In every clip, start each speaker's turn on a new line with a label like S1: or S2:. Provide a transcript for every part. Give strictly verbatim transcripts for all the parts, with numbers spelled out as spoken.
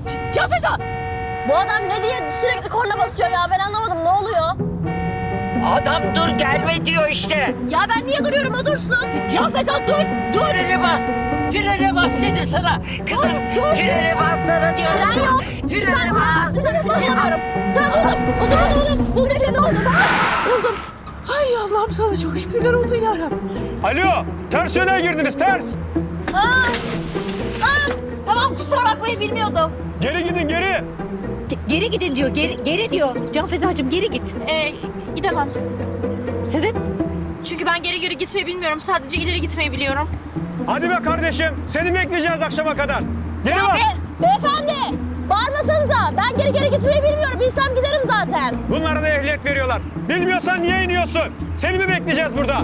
S1: Can Feza! Bu adam ne diye sürekli korna basıyor ya? Ben anlamadım. Ne oluyor?
S2: Adam dur gelme diyor işte.
S1: Ya ben niye duruyorum? O dursun. Can Feza dur! Dur!
S2: Frene bas. Frene bas dedim sana. Kızım frene bas sana diyorum.
S1: Fren yok.
S2: Frene bas.
S1: Sen bulamıyorum. Tamam buldum. Buldum buldum buldum. Buldum freni buldum. Ah, buldum.
S3: Ay Allah'ım sana çok şükürler olsun yarabbim.
S4: Alo, ters yöne girdiniz, ters.
S1: Aa, aa, tamam kusura bakmayın bilmiyordum.
S4: Geri gidin, geri.
S3: Ge- geri gidin diyor, geri, geri diyor. Can Fezacığım geri git.
S1: Ee, gidemem.
S3: Sebep?
S1: Çünkü ben geri geri gitmeyi bilmiyorum. Sadece ileri gitmeyi biliyorum.
S4: Hadi be kardeşim, seni bekleyeceğiz akşama kadar. Geri bas.
S1: Be beyefendi! Bağırmasanıza. Ben geri geri gitmeyi bilmiyorum. Bilsem giderim zaten.
S4: Bunlara da ehliyet veriyorlar. Bilmiyorsan niye iniyorsun? Seni mi bekleyeceğiz burada?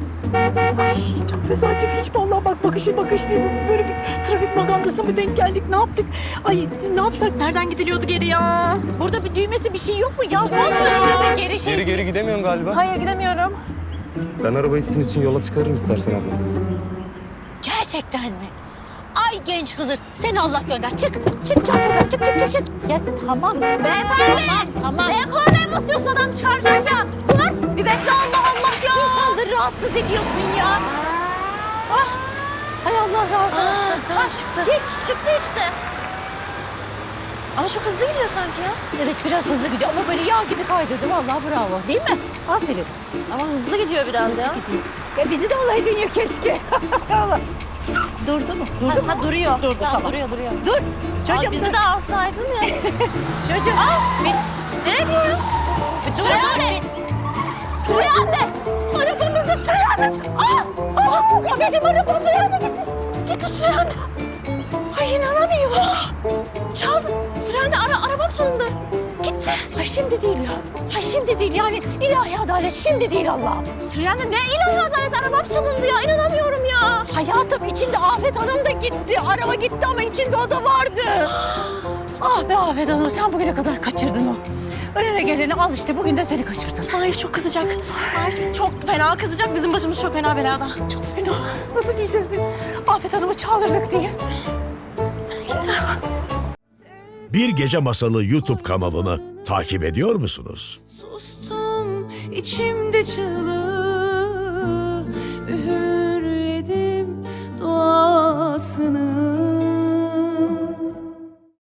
S3: Can Fezacığım hiç vallahi bak bakışı bakış değil. Böyle bir trafik magandası mı denk geldik, ne yaptık? Ay ne yapsak?
S1: Nereden gidiliyordu geri ya?
S3: Burada bir düğmesi bir şey yok mu? Yazmaz mı üstünde geri şey?
S5: Geri geri gidemiyorsun galiba.
S1: Hayır gidemiyorum.
S5: Ben arabayı sizin için yola çıkarırım istersen abla.
S3: Gerçekten mi? Ay genç Hızır, seni Allah gönder. Çık, çık Can Feza, çık, çık, çık, çık. Ya tamam.
S1: Beyefendi!
S3: Tamam, tamam.
S1: Neye kornaya basıyorsun? Adam çıkaracak ya. Dur! Bir bekle Allah Allah ya.
S3: İnsanları rahatsız ediyorsun ya. Ah, hay Allah razı olsun.
S1: tamam
S3: Ah,
S1: çıksın.
S3: Geç,
S1: Çıktı işte. Ama çok hızlı gidiyor sanki ya.
S3: evet biraz hızlı gidiyor ama böyle yağ gibi kaydırdı. Vallahi bravo. Değil mi? Aferin.
S1: Ama hızlı gidiyor biraz ya.
S3: Gidiyor. Ya bizi de alaydın ya keşke. Allah. Durdu mu? Durdu
S1: Ha,
S3: mu?
S1: ha, duruyor.
S3: Durdu,
S1: Tamam,
S3: tamam.
S1: Duruyor duruyor.
S3: Dur.
S1: Çocuğum
S3: Çocuğum
S1: bizi
S3: dur.
S1: de alsaydın ya.
S3: Çocuğum.
S1: Nereye gidiyor ya?
S3: Dur,
S1: Süreyya
S3: dur,
S1: anne! Süreyya anne! Arabamızı Süreyya anne! Aa! Aa! Ya bizim arabamız Süreyya anne gitti. Gitti Süreyya anne. Ay inanamıyorum. Çaldı. Süreyya anne ara, arabam çalındı. Gitti.
S3: Ay şimdi değil ya. Ay şimdi değil yani ilahi adalet şimdi değil Allah'ım.
S1: Süreyya anne ne ilahi adalet arabam çalındı ya. İnanamıyorum ya.
S3: Hayatım içinde Afet Hanım da gitti. Araba gitti ama içinde o da vardı. Ah be Afet Hanım sen bugüne kadar kaçırdın o. Önüne geleni al işte bugün de seni kaçırdın.
S1: Hayır çok kızacak. Hayır çok fena kızacak. Bizim başımız çok fena belada.
S3: Çok fena. Nasıl diyeceğiz biz Afet Hanım'ı çağırdık diye.
S1: Gitti.
S6: Bir Gece Masalı YouTube kanalını takip ediyor musunuz?
S7: Sustum içimde çığlığı, üğürledim duasını.